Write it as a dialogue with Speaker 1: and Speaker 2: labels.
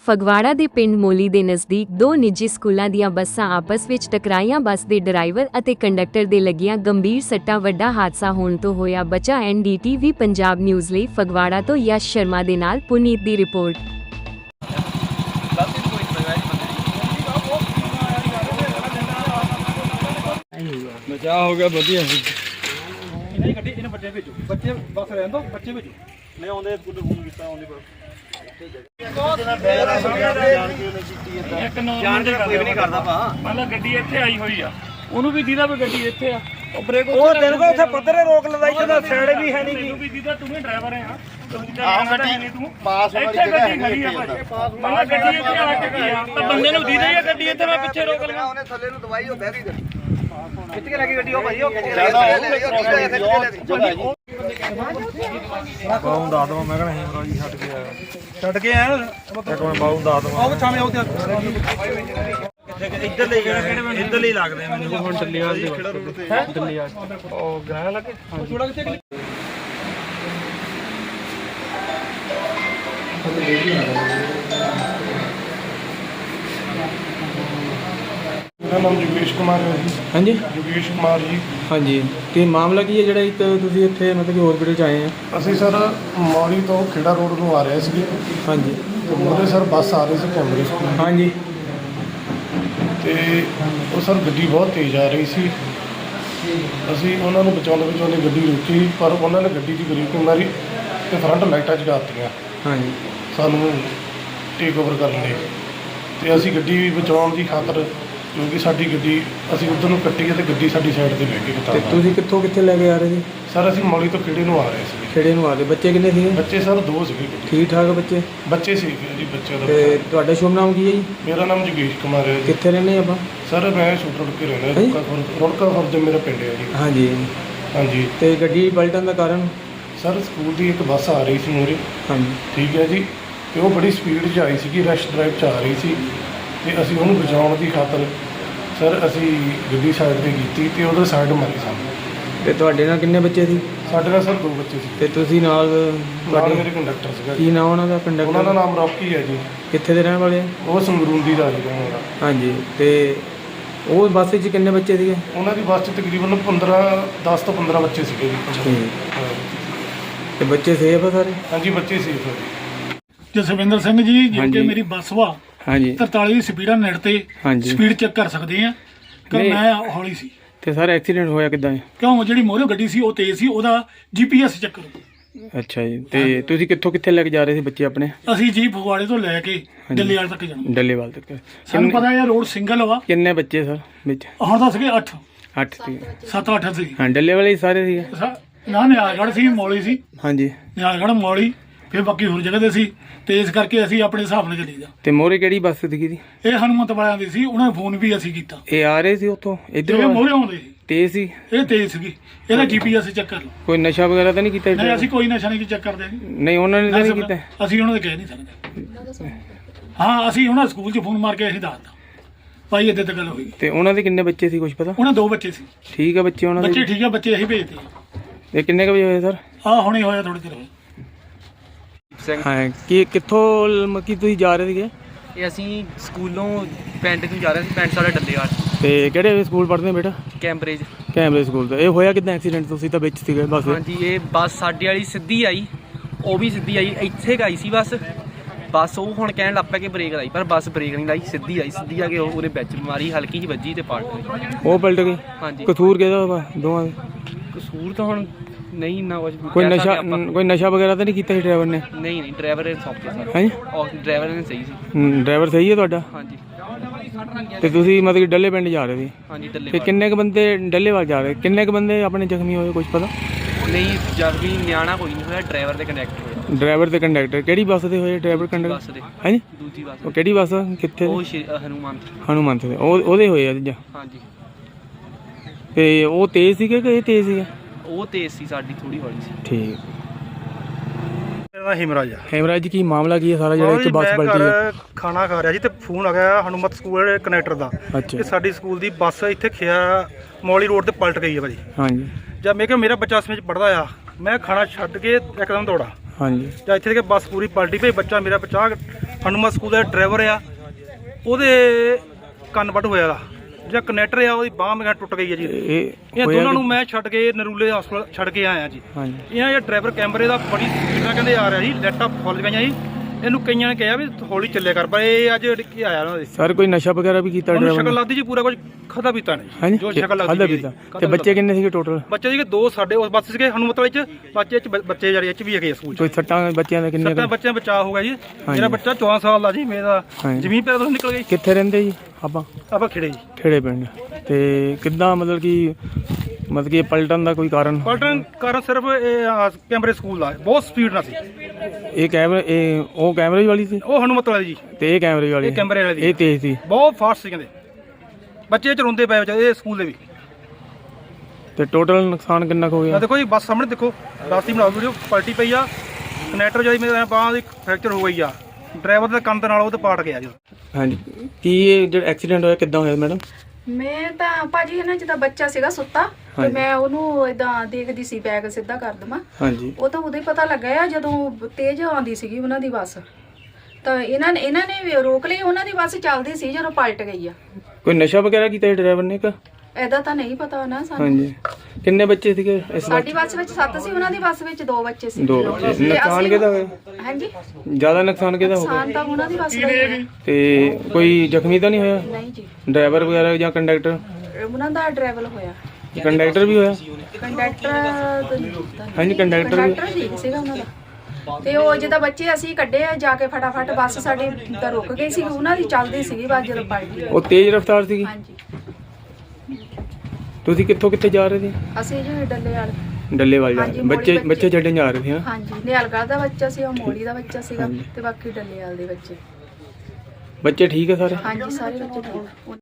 Speaker 1: ਫਗਵਾੜਾ ਦੇ ਪਿੰਡ ਮੋਲੀ ਦੇ ਨਜ਼ਦੀਕ ਦੋ ਨਿੱਜੀ ਸਕੂਲਾਂ ਦੀਆਂ ਬੱਸਾਂ ਆਪਸ ਵਿੱਚ ਟਕਰਾਈਆਂ। ਬੱਸ ਦੇ ਡਰਾਈਵਰ ਅਤੇ ਕੰਡਕਟਰ ਦੇ ਲੱਗੀਆਂ ਗੰਭੀਰ ਸੱਟਾਂ। ਵੱਡਾ ਹਾਦਸਾ ਹੋਣ ਤੋਂ ਹੋਇਆ ਬਚਾ। NDTV ਪੰਜਾਬ ਨਿਊਜ਼ ਲਈ ਫਗਵਾੜਾ ਤੋਂ ਯਸ਼ ਸ਼ਰਮਾ ਦੇ ਨਾਲ ਪੁਨੀਤ ਦੀ ਰਿਪੋਰਟ।
Speaker 2: ਬਚਾ ਹੋ ਗਿਆ ਵਧੀਆ
Speaker 3: ਨਹੀਂ ਗੱਡੀ ਇਹਨੇ ਬੱਚੇ ਭੇਜੋ, ਬੱਚੇ ਬਸ ਰਹਿਣ ਦੋ, ਬੱਚੇ ਭੇਜੋ। ਮੈਂ ਆਉਂਦੇ ਸਕੂਲ ਫੋਨ ਕੀਤਾ ਆਉਂਦੇ ਪਰ ਜਾਣ ਕੇ ਕੋਈ ਵੀ ਨਹੀਂ ਕਰਦਾ ਭਾ।
Speaker 4: ਮਤਲਬ ਗੱਡੀ ਇੱਥੇ ਆਈ ਹੋਈ ਆ, ਉਹਨੂੰ ਵੀ ਦੀਦਾ ਵੀ ਗੱਡੀ ਇੱਥੇ ਆ। ਉਹ ਬ੍ਰੇਕ
Speaker 3: ਉਹ ਦਿਨ ਕੋ ਉੱਥੇ ਪੱਧਰੇ ਰੋਕ ਲਦਾਈ ਤੇ ਸਾਈਡ ਵੀ ਹੈ ਨਹੀਂ
Speaker 4: ਮੈਨੂੰ ਵੀ ਦੀਦਾ ਤੂੰ ਵੀ ਡਰਾਈਵਰ ਹੈ।
Speaker 2: ਆਹ ਗੱਡੀ
Speaker 4: ਤੂੰ
Speaker 2: ਪਾਸ ਵਾਲੀ
Speaker 4: ਇੱਥੇ
Speaker 2: ਜਗ੍ਹਾ
Speaker 4: ਗੱਡੀ ਖੜੀ ਆ ਭਾਜੀ। ਮਤਲਬ ਗੱਡੀ ਇੱਥੇ ਆ ਚੁੱਕੀ ਆ ਤਾਂ ਬੰਦੇ ਨੂੰ ਦੀਦਾ ਹੀ ਆ ਗੱਡੀ ਇੱਥੇ। ਮੈਂ ਪਿੱਛੇ ਰੋਕ ਲਵਾਂ,
Speaker 3: ਉਹਨੇ ਥੱਲੇ ਨੂੰ ਦਵਾਈ ਉਹ ਬਹਿ ਗਈ ਗੱਡੀ ਖਿੱਚ ਕੇ ਲੈ ਗਈ ਗੱਡੀ। ਉਹ ਭਾਈ ਉਹ ਖਿੱਚ ਕੇ ਲੈ ਗਈ।
Speaker 2: ਬਾਉਂ ਦਾ ਦਵਾ ਮੈਂ ਕਹਿੰਦਾ ਹੀਮਰਾ ਜੀ ਛੱਡ ਕੇ ਆਇਆ ਇੱਕ ਮੈਂ ਬਾਉਂ ਦਾ ਦਵਾ
Speaker 3: ਉਹ ਛਾਵੇਂ ਉਹ
Speaker 2: ਇੱਧਰ ਲਈ ਲੱਗਦੇ ਮੈਨੂੰ ਹੁਣ ਟੱਲੀਆਂ ਦੇ ਕਿਹੜਾ ਰੋਡ ਤੇ ਹੈ ਟੱਲੀਆਂ ਉਹ ਗ੍ਰਾਂ ਲੱਗੇ
Speaker 3: ਥੋੜਾ ਕਿੱਥੇ
Speaker 5: ਮੇਰਾ ਨਾਮ ਜੋਗੇਸ਼ ਕੁਮਾਰ ਹੈ ਜੀ।
Speaker 6: ਹਾਂਜੀ
Speaker 5: ਜੋਗੇਸ਼ ਕੁਮਾਰ ਜੀ।
Speaker 6: ਹਾਂਜੀ ਤੇ ਮਾਮਲਾ ਕੀ ਹੈ ਜਿਹੜਾ ਇੱਕ ਤੁਸੀਂ ਇੱਥੇ ਮਤਲਬ ਕਿ ਹਸਪੀਟਲ 'ਚ ਆਏ ਆ?
Speaker 5: ਅਸੀਂ ਸਰ ਮੌਲੀ ਤੋਂ ਖੇੜਾ ਰੋਡ ਨੂੰ ਆ ਰਹੇ ਸੀਗੇ
Speaker 6: ਹਾਂਜੀ
Speaker 5: ਤੇ ਮੋਰੇ ਸਰ ਬੱਸ ਆ ਰਹੀ ਸੀ ਕੈਮਰੇ ਸਕੂਲ
Speaker 6: ਹਾਂਜੀ
Speaker 5: ਤੇ ਉਹ ਸਰ ਗੱਡੀ ਬਹੁਤ ਤੇਜ਼ ਆ ਰਹੀ ਸੀ। ਅਸੀਂ ਉਹਨਾਂ ਨੂੰ ਬਚਾਉਂਦੇ ਗੱਡੀ ਰੋਕੀ, ਪਰ ਉਹਨਾਂ ਨੇ ਗੱਡੀ ਦੀ ਬ੍ਰੇਕ ਨਹੀਂ ਮਾਰੀ ਤੇ ਫਰੰਟ ਲਾਈਟਾਂ ਜਗਾਤੀਆਂ
Speaker 6: ਹਾਂਜੀ
Speaker 5: ਸਾਨੂੰ ਟੇਕ ਓਵਰ ਕਰਨ ਲਈ। ਤੇ ਅਸੀਂ ਗੱਡੀ ਬਚਾਉਣ ਦੀ ਖਾਤਰ, ਕਿਉਂਕਿ ਸਾਡੀ ਗੱਡੀ ਅਸੀਂ ਉੱਧਰ ਨੂੰ ਕੱਟੀਏ ਤੇ ਗੱਡੀ ਸਾਡੀ ਸਾਈਡ ਤੇ ਬਹਿ ਗਈ
Speaker 6: ਤੇ
Speaker 5: ਕਿਤਾਬ।
Speaker 6: ਤੁਸੀਂ ਕਿੱਥੇ ਲੈ ਕੇ ਆ ਰਹੇ ਸੀ?
Speaker 5: ਸਰ ਅਸੀਂ ਮੌਲੀ ਤੋਂ ਖੇੜੇ ਨੂੰ ਆ ਰਹੇ ਸੀ।
Speaker 6: ਖੇੜੇ ਨੂੰ ਆ ਰਹੇ। ਬੱਚੇ ਕਿੰਨੇ ਸੀਗੇ?
Speaker 5: ਬੱਚੇ ਸਰ ਦੋ ਸੀਗੇ ਗੱਡੀ।
Speaker 6: ਠੀਕ ਠਾਕ ਬੱਚੇ?
Speaker 5: ਬੱਚੇ ਸੀਗੇ ਜੀ, ਬੱਚੇ ਦਾ।
Speaker 6: ਤੇ ਤੁਹਾਡਾ ਸ਼ੁਭ ਨਾਮ ਕੀ ਹੈ ਜੀ?
Speaker 5: ਮੇਰਾ ਨਾਮ ਜੋਗੇਸ਼ ਕੁਮਾਰ ਹੈ ਜੀ।
Speaker 6: ਕਿੱਥੇ ਰਹਿੰਦੇ ਆਪਾਂ?
Speaker 5: ਸਰ ਮੈਂ ਛੋਟਾ ਰੁੜ ਕੇ ਰਹਿਣਾ ਰੁੜਕਾ ਖੁਰਦ ਮੇਰਾ ਪਿੰਡ ਹੈ ਜੀ।
Speaker 6: ਹਾਂਜੀ
Speaker 5: ਹਾਂਜੀ
Speaker 6: ਤੇ ਗੱਡੀ ਪਲਟਣ ਦਾ ਕਾਰਨ?
Speaker 5: ਸਰ ਸਕੂਲ ਦੀ ਇੱਕ ਬੱਸ ਆ ਰਹੀ ਸੀ ਮੂਹਰੇ,
Speaker 6: ਹਾਂਜੀ
Speaker 5: ਠੀਕ ਹੈ ਜੀ, ਤੇ ਉਹ ਬੜੀ ਸਪੀਡ 'ਚ ਆਈ ਸੀਗੀ, ਰਸ਼ ਡਰਾਈਵ 'ਚ ਆ ਰਹੀ ਸੀ ਤੇ ਅਸੀਂ ਉਹਨੂੰ ਬਚਾਉਣ ਦੀ ਖਾਤਰ ਸਰ ਅਸੀਂ ਗੱਡੀ ਸਾਈਡ 'ਤੇ ਕੀਤੀ ਤੇ ਉਹਦੇ ਸਾਈਡ ਮਾਰੀ ਸਾਨੂੰ।
Speaker 6: ਤੇ ਤੁਹਾਡੇ ਨਾਲ ਕਿੰਨੇ ਬੱਚੇ ਸੀ?
Speaker 5: ਸਾਡੇ ਨਾਲ ਸਰ ਦੋ ਬੱਚੇ ਸੀ।
Speaker 6: ਤੇ ਤੁਸੀਂ ਨਾਲ
Speaker 5: ਨਾਲ
Speaker 6: ਤੁਹਾਡੇ
Speaker 5: ਮੇਰੇ ਕੰਡਕਟਰ ਸੀਗਾ ਜੀ।
Speaker 6: ਕੀ ਨਾਮ ਉਹਨਾਂ ਦਾ
Speaker 5: ਉਹਨਾਂ ਦਾ
Speaker 6: ਕੰਡਕਟਰ?
Speaker 5: ਨਾਮ ਰੌਕੀ ਹੈ ਜੀ।
Speaker 6: ਕਿੱਥੇ ਦੇ ਰਹਿਣ ਵਾਲੇ ਆ?
Speaker 5: ਉਹ ਸੰਗਰੂੰਦੀ ਦਾ ਜੀ ਉਹਨਾਂ ਦਾ।
Speaker 6: ਹਾਂਜੀ ਤੇ ਉਹ ਬੱਸ 'ਚ ਕਿੰਨੇ ਬੱਚੇ ਸੀਗੇ?
Speaker 5: ਉਹਨਾਂ ਦੀ ਬੱਸ 'ਚ ਤਕਰੀਬਨ 10 ਤੋਂ 15 ਬੱਚੇ ਸੀਗੇ ਜੀ।
Speaker 6: ਠੀਕ।
Speaker 5: ਹਾਂ।
Speaker 6: ਤੇ ਬੱਚੇ ਸੇਫ ਆ ਸਾਰੇ?
Speaker 5: ਹਾਂਜੀ ਬੱਚੇ ਸੇਫ ਹੈ ਜੀ।
Speaker 4: ਜਸਵਿੰਦਰ ਸਿੰਘ ਜੀ, ਜੋ
Speaker 6: ਹਾਂਜੀ।
Speaker 4: ਕਿ ਮੇਰੀ ਬੱਸ ਵਾ
Speaker 6: ਹਾਂਜੀ
Speaker 4: 43 ਦੀ ਸਪੀਡਾਂ ਨੇੜ ਤੇ
Speaker 6: ਹਾਂਜੀ
Speaker 4: ਸਪੀਡ ਚੈੱਕ ਕਰ ਸਕਦੇ ਆ ਕਿ
Speaker 6: ਨਹੀਂ।
Speaker 4: ਮੈਂ ਹੌਲੀ ਸੀ।
Speaker 6: ਤੇ ਸਰ ਐਕਸੀਡੈਂਟ ਹੋਇਆ ਕਿੱਦਾਂ?
Speaker 4: ਕਿਉਂ? ਜਿਹੜੀ ਮੋਹਰੇ ਗੱਡੀ ਸੀ ਉਹ ਤੇਜ਼ ਸੀ, ਉਹਦਾ GPS ਚੈੱਕ ਕਰੋ।
Speaker 6: ਅੱਛਾ ਜੀ। ਤੇ ਤੁਸੀਂ ਕਿੱਥੇ ਲੈ ਕੇ ਜਾ ਰਹੇ ਸੀ ਬੱਚੇ ਆਪਣੇ?
Speaker 4: ਅਸੀਂ ਜੀ ਫਗਵਾੜੇ ਤੋਂ ਲੈ ਕੇ ਦਿੱਲੀ ਵਾਲ ਤੱਕ ਜਾਣਾ।
Speaker 6: ਡੱਲੇਵਾਲ ਤੱਕ।
Speaker 4: ਸਾਨੂੰ ਪਤਾ ਇਹ ਰੋਡ ਸਿੰਗਲ ਵਾ।
Speaker 6: ਕਿੰਨੇ ਬੱਚੇ ਸਰ ਵਿੱਚ?
Speaker 4: ਹੁਣ ਤਾਂ ਸੀਗੇ 8
Speaker 6: 8 ਸੀ।
Speaker 4: 7-8 ਸੀ।
Speaker 6: ਹਾਂ ਡੱਲੇਵਾਲ ਹੀ ਸਾਰੇ ਸੀਗੇ?
Speaker 4: ਨਾ ਨਿਆਲਗੜ੍ਹ ਸੀ, ਮੌਲੀ ਸੀ,
Speaker 6: ਹਾਂਜੀ
Speaker 4: ਨਿਆਲਗੜ੍ਹ ਮੌਲੀ, ਫਿਰ ਬਾਕੀ ਹੋਰ ਜਗ੍ਹਾ ਤੇ ਸੀ। ਤੇ ਇਸ ਕਰਕੇ ਅਸੀਂ ਆਪਣੇ ਹਿਸਾਬ ਨਾਲ ਚੱਲੀ ਜਾ।
Speaker 6: ਤੇ ਮੋਰੇ ਕਿਹੜੀ ਬੱਸ ਸੀਗੀ ਦੀ?
Speaker 4: ਇਹ ਹਨੂਮੰਤ ਵਾਲਿਆਂ ਦੀ ਸੀ, ਉਹਨਾਂ ਨੇ ਫੋਨ ਵੀ ਅਸੀਂ ਕੀਤਾ।
Speaker 6: ਇਹ ਆ ਰਹੇ ਸੀ ਉੱਥੋਂ
Speaker 4: ਇਹ
Speaker 6: ਇੱਧਰ?
Speaker 4: ਮੋਹਰੇ ਆਉਂਦੇ ਸੀ,
Speaker 6: ਤੇਜ਼ ਸੀ?
Speaker 4: ਇਹ ਤੇਜ਼ ਸੀਗੀ। ਇਹਦਾ GPS ਚੈੱਕ ਕਰ ਲਓ।
Speaker 6: ਕੋਈ ਨਸ਼ਾ ਵਗੈਰਾ ਤਾਂ ਨਹੀਂ ਕੀਤਾ?
Speaker 4: ਨਹੀਂ, ਅਸੀਂ ਕੋਈ ਨਸ਼ਾ ਨਹੀਂ ਚੈੱਕ ਕਰਦੇ।
Speaker 6: ਨਹੀਂ ਉਹਨਾਂ ਨੇ ਤਾਂ ਨਹੀਂ ਕੀਤਾ?
Speaker 4: ਅਸੀਂ ਉਹਨਾਂ ਦੇ ਕਹਿ ਨਹੀਂ ਸਕਦੇ। ਹਾਂ ਅਸੀਂ ਉਹਨਾਂ ਸਕੂਲ 'ਚ ਫੋਨ ਮਾਰ ਕੇ ਅਸੀਂ ਦੱਸਦਾ ਭਾਈ ਇੱਦਾਂ ਤਾਂ ਗੱਲ ਹੋਈ।
Speaker 6: ਤੇ ਉਹਨਾਂ ਦੇ ਕਿੰਨੇ ਬੱਚੇ ਸੀ ਕੁਝ ਪਤਾ?
Speaker 4: ਉਹਨਾਂ 2 ਬੱਚੇ ਸੀ।
Speaker 6: ਠੀਕ ਆ ਬੱਚੇ ਉਹਨਾਂ
Speaker 4: ਬੱਚੇ
Speaker 6: ਦੇ?
Speaker 4: ਠੀਕ ਆ, ਬੱਚੇ ਅਸੀਂ ਭੇਜਦੇ ਆ।
Speaker 6: ਇਹ ਕਿੰਨੇ ਕੁ ਵਜੇ ਹੋਏ ਸਰ?
Speaker 4: ਹੁਣੇ ਹੋਇਆ ਥੋੜੀ ਦੇਰ ਹੋਈ।
Speaker 6: ਹਾਂ ਕਿੱਥੋਂ ਕੀ ਤੁਸੀਂ ਜਾ ਰਹੇ ਸੀਗੇ?
Speaker 7: ਇਹ ਅਸੀਂ ਸਕੂਲੋਂ ਪਿੰਡ ਤੋਂ ਜਾ ਰਹੇ ਸੀ, ਪਿੰਡ ਸਾਡਾ ਡੱਲੇਵਾਲ।
Speaker 6: ਤੇ ਕਿਹੜੇ ਸਕੂਲ ਪੜ੍ਹਦੇ ਬੇਟਾ?
Speaker 7: ਕੈਂਬਰੇਜ।
Speaker 6: ਕੈਮਰੇ ਸਕੂਲ ਤੋਂ। ਇਹ ਹੋਇਆ ਕਿੱਦਾਂ ਐਕਸੀਡੈਂਟ? ਤੁਸੀਂ ਤਾਂ ਵਿੱਚ ਸੀਗੇ ਬਸ।
Speaker 7: ਹਾਂਜੀ ਇਹ ਬੱਸ ਸਾਡੇ ਵਾਲੀ ਸਿੱਧੀ ਆਈ, ਉਹ ਵੀ ਸਿੱਧੀ ਆਈ, ਇੱਥੇ ਗਈ ਸੀ ਬੱਸ ਉਹ ਹੁਣ ਕਹਿਣ ਲੱਗ ਪਿਆ ਕਿ ਬ੍ਰੇਕ ਲਾਈ, ਪਰ ਬੱਸ ਬ੍ਰੇਕ ਨਹੀਂ ਲਾਈ, ਸਿੱਧੀ ਆਈ, ਸਿੱਧੀ ਆ ਕੇ ਉਹਦੇ ਵਿੱਚ ਮਾਰੀ, ਹਲਕੀ ਜਿਹੀ ਵੱਜੀ ਤੇ ਪਲਟ ਗਈ।
Speaker 6: ਉਹ ਪਲਟ ਗਈ?
Speaker 7: ਹਾਂਜੀ।
Speaker 6: ਕਸੂਰ ਕਿਹਦਾ ਵਾ ਦੋਵਾਂ ਦਾ?
Speaker 7: ਕਸੂਰ ਤਾਂ ਹੁਣ ਨਹੀਂ ਇੰਨਾ ਕੁਝ
Speaker 6: ਕੋਈ
Speaker 7: ਕਹਿ
Speaker 6: ਨਸ਼ਾ
Speaker 7: ਸਕਦੇ ਆਪਾਂ।
Speaker 6: ਕੋਈ ਨਸ਼ਾ ਵਗੈਰਾ ਤਾਂ ਨਹੀਂ ਕੀਤਾ ਸੀ ਡਰਾਈਵਰ ਨੇ?
Speaker 7: ਨਹੀਂ ਡਰਾਈਵਰ ਸੌਖੇ ਸਰ।
Speaker 6: ਹਾਂਜੀ
Speaker 7: ਡਰਾਈਵਰ ਨੇ ਸਹੀ ਸੀ।
Speaker 6: ਡਰਾਈਵਰ ਸਹੀ ਹੈ ਤੁਹਾਡਾ?
Speaker 7: ਹਾਂਜੀ
Speaker 6: ਤੇ ਤੁਸੀਂ ਮਤਲਬ ਕਿ ਡੱਲੇ ਪਿੰਡ ਜਾ ਰਹੇ ਸੀ?
Speaker 7: ਹਾਂਜੀ
Speaker 6: ਤੇ
Speaker 7: ਡੱਲੇਵਾਲ।
Speaker 6: ਕਿੰਨੇ ਕ ਬੰਦੇ ਡੱਲੇਵਾਲ ਜਾ ਰਹੇ? ਕਿੰਨੇ ਕ ਬੰਦੇ ਆਪਣੇ ਜ਼ਖਮੀ ਹੋਏ ਕੁਝ ਪਤਾ?
Speaker 7: ਨਹੀਂ ਜਦ ਵੀ ਨਿਆਣਾ ਕੋਈ ਨਹੀਂ ਹੋਇਆ, ਡਰਾਈਵਰ ਤੇ ਕੰਡਕਟਰ ਹੋਇਆ।
Speaker 6: ਡਰਾਈਵਰ ਤੇ ਕੰਡਕਟਰ ਕਿਹੜੀ ਬੱਸ ਦੇ ਹੋਏ? Driver
Speaker 7: bus
Speaker 6: conductor?
Speaker 7: ਦੇ
Speaker 6: ਹਾਂਜੀ
Speaker 7: ਦੂਜੀ ਬੱਸ
Speaker 6: ਉਹ ਕਿਹੜੀ ਬੱਸ ਕਿੱਥੇ?
Speaker 7: ਉਹ ਹਨੂੰਮਾਨ।
Speaker 6: ਹਨੂੰਮੰਤ ਦੇ ਉਹਦੇ ਹੋਏ ਆ ਜੀ?
Speaker 7: ਹਾਂਜੀ
Speaker 6: ਤੇ ਉਹ ਤੇਜ਼ ਸੀਗੇ ਕਿ ਇਹ ਤੇਜ਼ ਸੀਗਾ?
Speaker 7: ਉਹ ਤੇਜ਼ ਸੀ, ਸਾਡੀ ਥੋੜੀ ਹੌਲੀ ਸੀ।
Speaker 6: ਠੀਕ।
Speaker 3: ਮੇਰਾ ਨਾਮ ਹਿਮਰਾਜ ਆ।
Speaker 6: ਹੈਮਰਾਜ ਜੀ ਕੀ ਮਾਮਲਾ ਕੀ ਹੈ ਸਾਰਾ ਜਿਹੜਾ ਇੱਕ ਬੱਸ ਪਲਟੀ ਹੈ?
Speaker 3: ਖਾਣਾ ਖਾ ਰਿਹਾ ਜੀ ਤੇ ਫੋਨ ਆ ਗਿਆ ਹਨੂਮਤ ਸਕੂਲ ਕਨੈਕਟਰ ਦਾ
Speaker 6: ਅੱਛਾ
Speaker 3: ਕਿ ਸਾਡੀ ਸਕੂਲ ਦੀ ਬੱਸ ਇੱਥੇ ਖਿਆ ਮੌਲੀ ਰੋਡ ਤੇ ਪਲਟ ਗਈ ਹੈ ਭਾਜੀ।
Speaker 6: ਹਾਂਜੀ
Speaker 3: ਜਦ ਮੈਂ ਕਿਹਾ ਮੇਰਾ ਬੱਚਾ 8ਵੀਂ 'ਚ ਪੜ੍ਹਦਾ ਆ, ਮੈਂ ਖਾਣਾ ਛੱਡ ਕੇ ਇੱਕਦਮ ਦੌੜਾ
Speaker 6: ਹਾਂਜੀ
Speaker 3: ਜਾਂ ਇੱਥੇ ਕਿ ਬੱਸ ਪੂਰੀ ਪਲਟੀ ਪਈ। ਬੱਚਾ ਮੇਰਾ ਬਚਾ ਹਨੂੰਮਾਨ ਸਕੂਲ ਦਾ ਡਰਾਈਵਰ ਆ, ਉਹਦੇ ਕੰਨ ਵੱਢ ਹੋਇਆ ਦਾ, ਜਿਹੜਾ ਕਨੈਕਟਰ ਆ ਉਹਦੀ ਬਾਂਹ ਮੇਰਾ ਟੁੱਟ ਗਈ ਹੈ ਜੀ। ਇਹ
Speaker 6: ਹੋਇਆ
Speaker 3: ਦੋਨਾਂ ਨੂੰ ਮੈਂ ਛੱਡ ਕੇ ਨਰੂਲੇ ਹਸਪਤਾਲ ਛੱਡ ਕੇ ਆਇਆ ਜੀ।
Speaker 6: ਹਾਂਜੀ
Speaker 3: ਇਹਨਾਂ ਜਿਹੜਾ ਡਰਾਈਵਰ ਕੈਮਰੇ ਦਾ ਬੜੀ ਸਪੀਡ ਨਾਲ ਕਹਿੰਦੇ ਆ ਰਿਹਾ ਜੀ, ਲਾਈਟਾਂ ਫੁੱਲ ਗਈਆਂ ਜੀ। ਇਹਨੂੰ ਕਈਆਂ ਨੇ ਕਿਹਾ ਵੀ ਹੌਲੀ ਚੱਲਿਆ ਕਰ, ਪਰ ਇਹ ਅੱਜ ਕੀ ਆਇਆ ਉਹਨਾਂ ਦੇ
Speaker 6: ਸਰ ਕੋਈ ਨਸ਼ਾ ਵਗੈਰਾ ਵੀ ਕੀਤਾ
Speaker 3: ਉਹਨੂੰ
Speaker 6: ਡਰਾਈਵਰ
Speaker 3: ਸ਼ਕਲ
Speaker 6: ਨੇ?
Speaker 3: ਲੱਗਦੀ ਜੀ, ਪੂਰਾ ਕੁਝ ਖਾਧਾ ਪੀਤਾ ਨਹੀਂ
Speaker 6: ਹਾਂਜੀ
Speaker 3: ਜੋ ਸ਼ਕਲ
Speaker 6: ਖਾਧਾ
Speaker 3: ਲੱਗਦੀ
Speaker 6: ਪੀਤਾ। ਤੇ ਬੱਚੇ ਕਿੰਨੇ ਸੀਗੇ ਟੋਟਲ?
Speaker 3: ਬੱਚੇ ਜੀ ਦੋ ਸਾਡੇ ਉਸ ਬੱਸ ਸੀਗੇ ਹਨੂੰਮਤ ਵਾਲੇ ਚ, ਬੱਚੇ ਚ ਬੱਚੇ ਜਿਹੜੇ ਚ ਵੀ ਹੈਗੇ ਆ ਸਕੂਲ ਚ।
Speaker 6: ਕੋਈ ਸੱਟਾਂ ਬੱਚਿਆਂ ਦੇ ਕਿੰਨੇ
Speaker 3: ਸੱਤਾਂ
Speaker 6: ਕੁ?
Speaker 3: ਬੱਚਿਆਂ ਬਚਾਅ ਹੋ ਗਿਆ ਜੀ। ਮੇਰਾ ਬੱਚਾ 14 ਸਾਲ ਦਾ ਜੀ, ਮੇਰਾ
Speaker 6: ਹਾਂਜੀ।
Speaker 3: ਜ਼ਮੀਨ ਪੈਰ ਤੋਂ ਨਿਕਲ ਗਈ।
Speaker 6: ਕਿੱਥੇ ਰਹਿੰਦੇ ਜੀ ਆਪਾਂ?
Speaker 3: ਆਪਾਂ ਖਿੜੇ ਜੀ।
Speaker 6: ਖੇੜੇ ਪਿੰਡ। ਤੇ ਕਿੱਦਾਂ ਮਤਲਬ ਕਿ ਇਹ ਪਲਟਣ ਦਾ ਕੋਈ ਕਾਰਨ?
Speaker 3: ਪਲਟਨ ਕਾਰਨ ਸਿਰਫ ਇਹ ਕੈਮਰੇ ਸਕੂਲ ਦਾ ਬਹੁਤ ਸਪੀਡ ਨਾਲ ਸੀ।
Speaker 6: ਇਹ ਕੈਮਰੇ ਉਹ ਕੈਮਰੇ ਵਾਲੀ ਸੀ
Speaker 3: ਉਹ ਹਨੂੰਮਤ ਵਾਲੇ ਜੀ,
Speaker 6: ਤੇ ਇਹ ਕੈਮਰੇ ਵਾਲੀ?
Speaker 3: ਇਹ ਕੈਮਰੇ ਵਾਲੇ ਦੀ।
Speaker 6: ਇਹ ਤੇਜ਼ ਸੀ?
Speaker 3: ਬਹੁਤ ਫਾਸਟ ਸੀ ਕਹਿੰਦੇ, ਬੱਚੇ ਚ ਰੋਂਦੇ ਪਏ ਵਿਚਾਰੇ ਇਹ ਸਕੂਲ ਦੇ ਵੀ।
Speaker 6: ਤੇ ਟੋਟਲ ਨੁਕਸਾਨ ਕਿੰਨਾ ਕੁ ਹੋ
Speaker 3: ਆ
Speaker 6: ਗਿਆ?
Speaker 3: ਦੇਖੋ ਜੀ ਬੱਸ ਸਾਹਮਣੇ ਦੇਖੋ, ਰਾਸਤੀ ਬਣਾਓ ਵੀਡੀਓ, ਪਲਟੀ ਪਈ ਆ। ਕਨੈਕਟਰ ਜਿਹੜੀ ਮੇਰੇ ਬਾਂਹ ਦੀ ਫ੍ਰੈਕਚਰ ਹੋ ਗਈ ਆ, ਡਰਾਈਵਰ ਦੇ ਕੰਨ ਦੇ ਨਾਲ ਉਹ ਤੇ ਪਾਟ ਗਿਆ ਜੀ।
Speaker 6: ਹਾਂਜੀ ਕੀ ਇਹ ਜਿਹੜਾ ਐਕਸੀਡੈਂਟ ਹੋਇਆ ਕਿੱਦਾਂ ਹੋਇਆ ਮੈਡਮ?
Speaker 8: ਮੈਂ ਤਾਂ ਭਾਜੀ ਹੈ ਨਾ, ਜਿੱਦਾਂ ਬੱਚਾ ਸੀਗਾ ਸੁੱਤਾ ਤੇ ਮੈਂ ਉਹਨੂੰ ਇਦਾਂ ਦੇਖਦੀ ਸੀ ਬੈਗ ਸਿੱਧਾ ਕਰ ਦਵਾਂ।
Speaker 6: ਹਾਂਜੀ
Speaker 8: ਉਹ ਤਾਂ ਉਦੋਂ ਹੀ ਪਤਾ ਲੱਗਾ ਆ ਜਦੋਂ ਤੇਜ਼ ਆਉਂਦੀ ਸੀਗੀ ਉਹਨਾਂ ਦੀ ਬੱਸ, ਤਾਂ ਇਹਨਾਂ ਨੇ ਵੀ ਰੋਕ ਲਈ। ਉਹਨਾਂ ਦੀ ਬੱਸ ਚੱਲਦੀ ਸੀ ਜਦੋਂ ਪਲਟ ਗਈ ਆ।
Speaker 6: ਕੋਈ ਨਸ਼ਾ ਵਗੈਰਾ ਕੀਤਾ ਡਰਾਈਵਰ ਨੇ ਕਿ?
Speaker 8: ਐਦਾ ਤਾਂ ਨਹੀਂ ਪਤਾ ਨਾ ਸਾਨੂੰ।
Speaker 6: ਹਾਂਜੀ ਕਿੰਨੇ ਬੱਚੇ ਸੀਗੇ ਇਸ ਵਾਰ?
Speaker 8: ਸਾਡੀ ਬੱਸ ਵਿੱਚ 7 ਸੀ, ਉਹਨਾਂ ਦੀ ਬੱਸ ਵਿੱਚ 2 ਬੱਚੇ ਸੀ।
Speaker 6: ਦੋ ਬੱਚੇ।
Speaker 8: ਤੇ
Speaker 6: ਨੁਕਸਾਨ
Speaker 8: ਅਸੀਂ-
Speaker 6: ਕਿਹਦਾ ਹੋਇਆ?
Speaker 8: ਹਾਂਜੀ
Speaker 6: ਜ਼ਿਆਦਾ ਨੁਕਸਾਨ ਕਿਹਦਾ ਹੋ ਗਿਆ?
Speaker 8: ਨੁਕਸਾਨ ਤਾਂ ਉਹਨਾਂ ਦੀ ਬੱਸ ਦਾ ਹੀ ਹੋਇਆ।
Speaker 6: ਤੇ ਕੋਈ ਜ਼ਖਮੀ ਤਾਂ ਨਹੀਂ ਹੋਇਆ?
Speaker 8: ਨਹੀਂ ਜੀ,
Speaker 6: ਡਰਾਈਵਰ ਵਗੈਰਾ ਜਾਂ ਕੰਡਕਟਰ?
Speaker 8: ਉਹਨਾਂ ਦਾ ਡਰਾਈਵਰ ਹੋਇਆ।
Speaker 6: ਕੰਡਕਟਰ ਵੀ ਹੋਇਆ?
Speaker 8: ਕੰਡਕਟਰ
Speaker 6: ਹਾਂਜੀ ਕੰਡਕਟਰ ਵੀ।
Speaker 8: ਠੀਕ ਸੀਗਾ ਉਹਨਾਂ ਦਾ। ਤੇ ਉਹ ਜਿਹਦਾ ਬੱਚੇ ਅਸੀਂ ਕੱਢੇ ਆ ਜਾ ਕੇ ਫਟਾਫਟ, ਬੱਸ ਸਾਡੀ ਤਾਂ ਰੁਕ ਗਈ ਸੀ, ਉਹਨਾਂ ਦੀ ਚੱਲਦੀ ਸੀਗੀ ਬੱਸ ਜਦੋਂ ਪਲਟੀ।
Speaker 6: ਉਹ ਤੇਜ਼ ਰਫ਼ਤਾਰ ਸੀਗੀ?
Speaker 8: ਹਾਂਜੀ
Speaker 6: ਤੁਸੀਂ ਕਿੱਥੋਂ ਕਿੱਥੇ ਜਾ ਰਹੇ ਸੀ?
Speaker 8: ਅਸੀਂ ਜੀ ਡੱਲੇ ਵਾਲੇ।
Speaker 6: ਡੱਲੇਵਾਲ ਜਾ
Speaker 8: ਹਾਂਜੀ,
Speaker 6: ਰਹੇ?
Speaker 8: ਮੋੜੀ
Speaker 6: ਬੱਚੇ
Speaker 8: ਬੱਚੇ।
Speaker 6: ਬੱਚੇ ਛੱਡਣ ਜਾ ਰਹੇ ਸੀ? ਹਾਂ
Speaker 8: ਹਾਂਜੀ ਨਿਹਾਲਗੜ੍ਹ ਦਾ ਬੱਚਾ ਸੀ, ਉਹ ਮੋੜੀ ਦਾ ਬੱਚਾ ਸੀਗਾ, ਤੇ ਬਾਕੀ ਡੱਲੇ ਵਾਲੇ ਦੇ ਬੱਚੇ।
Speaker 6: ਬੱਚੇ ਠੀਕ ਹੈ ਸਾਰੇ?
Speaker 8: ਹਾਂਜੀ ਸਾਰੇ ਬੱਚੇ ਠੀਕ।